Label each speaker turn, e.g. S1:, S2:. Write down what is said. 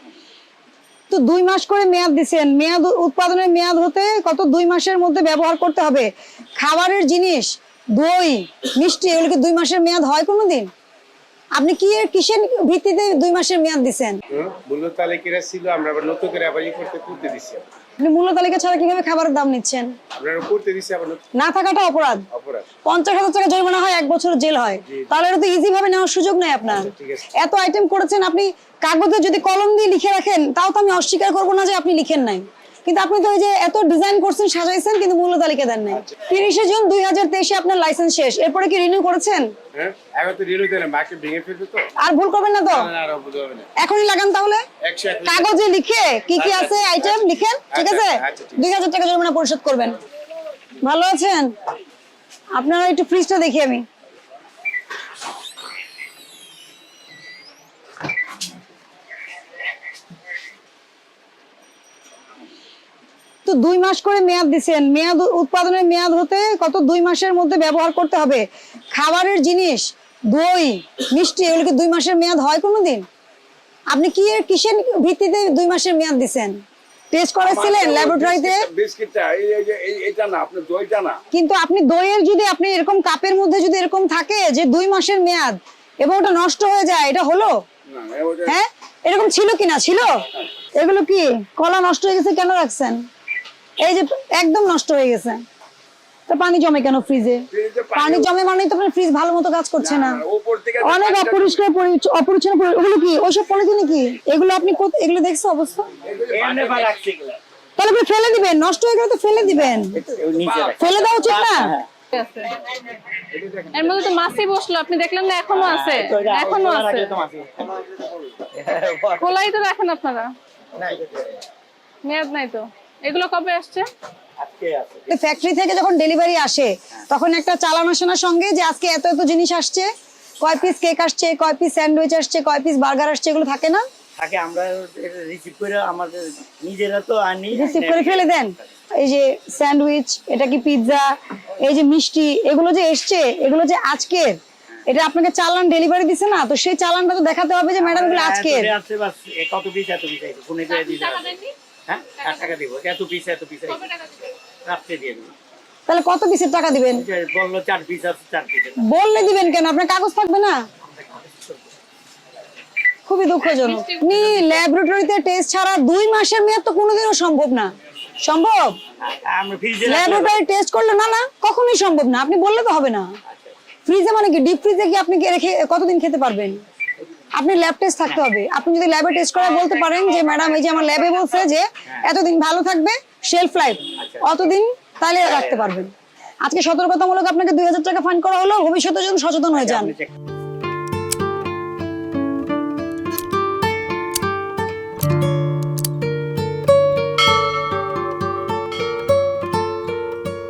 S1: তো 2 মাস করে মেয়াদ দিচ্ছেন, মেয়াদ উৎপাদনের মেয়াদ হতে কত 2 মাসের মধ্যে ব্যবহার করতে হবে। খাবারের জিনিস, দই, মিষ্টি, এগুলো কি 2 মাসের মেয়াদ হয় কোনোদিন? আপনি কি কিসের ভিত্তিতে 2 মাসের মেয়াদ দিচ্ছেন?
S2: মূল্য তালিকা ছিল, আমরা আবার নতুন করে আবার করতে দিচ্ছি।
S1: আপনি মূল্য তালিকা ছাড়া কিভাবে খাবারের দাম নিচ্ছেন?
S2: আপনারা করতে দিচ্ছি আবার
S1: না থাকাটা অপরাধ। 50,000 টাকা জরিমানা হয়, 1 বছর জেল হয়। তাহলে এটা তো ইজি ভাবে নেওয়ার সুযোগ নেই আপনার। এত আইটেম করেছেন আপনি, কাগজে যদি কলম দিয়ে লিখে রাখেন তাও তো আমি অস্বীকার করবো না যে আপনি লিখেন নাই, কিন্তু আপনি তো ওই যে এত ডিজাইন করছেন, সাজাইছেন, কিন্তু মূল্য তালিকা দেন নাই। 30 জুন 2023 আপনার লাইসেন্স শেষ, এরপরে কি রিনিউ করেছেন?
S2: হ্যাঁ, এখন তো রিনিউ দিলাম, মার্কেট ভেঙে ফেলবে তো।
S1: আর ভুল করবেন না তো?
S2: না, আর ভুল হবে না।
S1: এখনই লাগান তাহলে, কাগজে লিখে কি কি আছে আইটেম লিখেন, ঠিক আছে? 2000 টাকা জরিমানা পরিশোধ করবেন। ভালো আছেন? আপনারা একটু ফ্রিজটা দেখি আমি। তো 2 মাস করে মেয়াদ দিচ্ছেন, মেয়াদ উৎপাদনের মেয়াদ হতে কত 2 মাসের মধ্যে ব্যবহার করতে হবে। খাবারের জিনিস, দই, মিষ্টি, এগুলো কি 2 মাসের মেয়াদ হয় কোনোদিন? আপনি কি কিসের ভিত্তিতে 2 মাসের মেয়াদ দিচ্ছেন? টেস্ট করেছিলেন ল্যাবরেটরিতে?
S2: বিস্কিটটা এটা না, আপনি দইটা না।
S1: কিন্তু আপনি দইয়ের যদি আপনি এরকম কাপের মধ্যে যদি এরকম থাকে যে 2 মাসের মেয়াদ এবং ওটা নষ্ট হয়ে যায়, এটা হলো? হ্যাঁ, এরকম ছিল কিনা? ছিল। এগুলো কি কলা নষ্ট হয়ে গেছে, কেন রাখছেন? এই যে একদম নষ্ট হয়ে গেছে, তো পানি জমে কেন ফ্রিজে? পানি জমে মানে তো আপনার ফ্রিজ ভালো মতো কাজ করছে না, অনেক অপরিষ্কার অপরিচ্ছন্ন। ওগুলো কি ওইসব পলিথিন কি? এগুলো আপনি এগুলো দেখছেন অবস্থা? তাহলে আপনি ফেলে দিবেন, নষ্ট হয়ে গেলে তো ফেলে দিবেন, ফেলে দেওয়া উচিত না।
S3: এর মধ্যে তো মাছই বসলো, আপনি দেখলেন না? এখনো আছে, এখনো আছে, খোলাই তো রাখেন আপনারা, মেয়াদ নাই তো। এগুলো কবে আসছে?
S1: ফ্যাক্টরি থেকে যখন ডেলিভারি আসে তখন একটা চালান আসে না সঙ্গে, যে আজকে এত এত জিনিস আসছে, কয় পিস কেক আসছে, কয় পিস স্যান্ডউইচ আসছে, কয় পিস বার্গার আসছে, এগুলো থাকে না?
S4: থাকে, আমরা রিসিভ করে আমাদের নিজেরা তো আনি,
S1: রিসিভ করে ফেলে দেন। এই যে স্যান্ডউইচ, এটা কি পিৎজা, এই যে মিষ্টি, এগুলো যে এসছে, এগুলো যে আজকের, এটা আপনাকে চালান ডেলিভারি দিছে না, তো সেই চালানটা তো দেখাতে হবে যে ম্যাডাম এগুলো আজকের।
S4: কত পিস এত পিস ফোনে করে দিতে হবে। হ্যাঁ, টাকা দিব, এত পিস রাত্রে দিয়ে দেব।
S1: তাহলে কত পিসের টাকা দিবেন?
S4: বললো 4 পিস আছে, 4 পিস।
S1: বললে দিবেন কেন? আপনার কাগজ থাকবে না? খুবই দুঃখজনক। আপনি ল্যাবরেটরিতে টেস্ট ছাড়া 2 মাসের মেয়াদ তো কোনোদিনও সম্ভব না। সম্ভব?
S4: আমরা ফ্রিজে
S1: ল্যাবরেটরি টেস্ট করলে না, না কখনোই সম্ভব না। আপনি বললে তো হবে না। ফ্রিজে মানে কি? ডিপ ফ্রিজে কি আপনি রেখে কতদিন খেতে পারবেন? আপনি ল্যাব টেস্ট থাকতে হবে। আপনি যদি ল্যাবে টেস্ট করে বলতে পারেন যে ম্যাডাম এই যে আমার ল্যাবে বলছে যে এতদিন ভালো থাকবে, শেলফ লাইফ অতদিন, তাহলে রাখতে পারবেন। আজকে সতর্কতামূলক আপনাকে 2000 টাকা ফাইন করা হলো, ভবিষ্যতে যদি সচেতন হয়ে যান।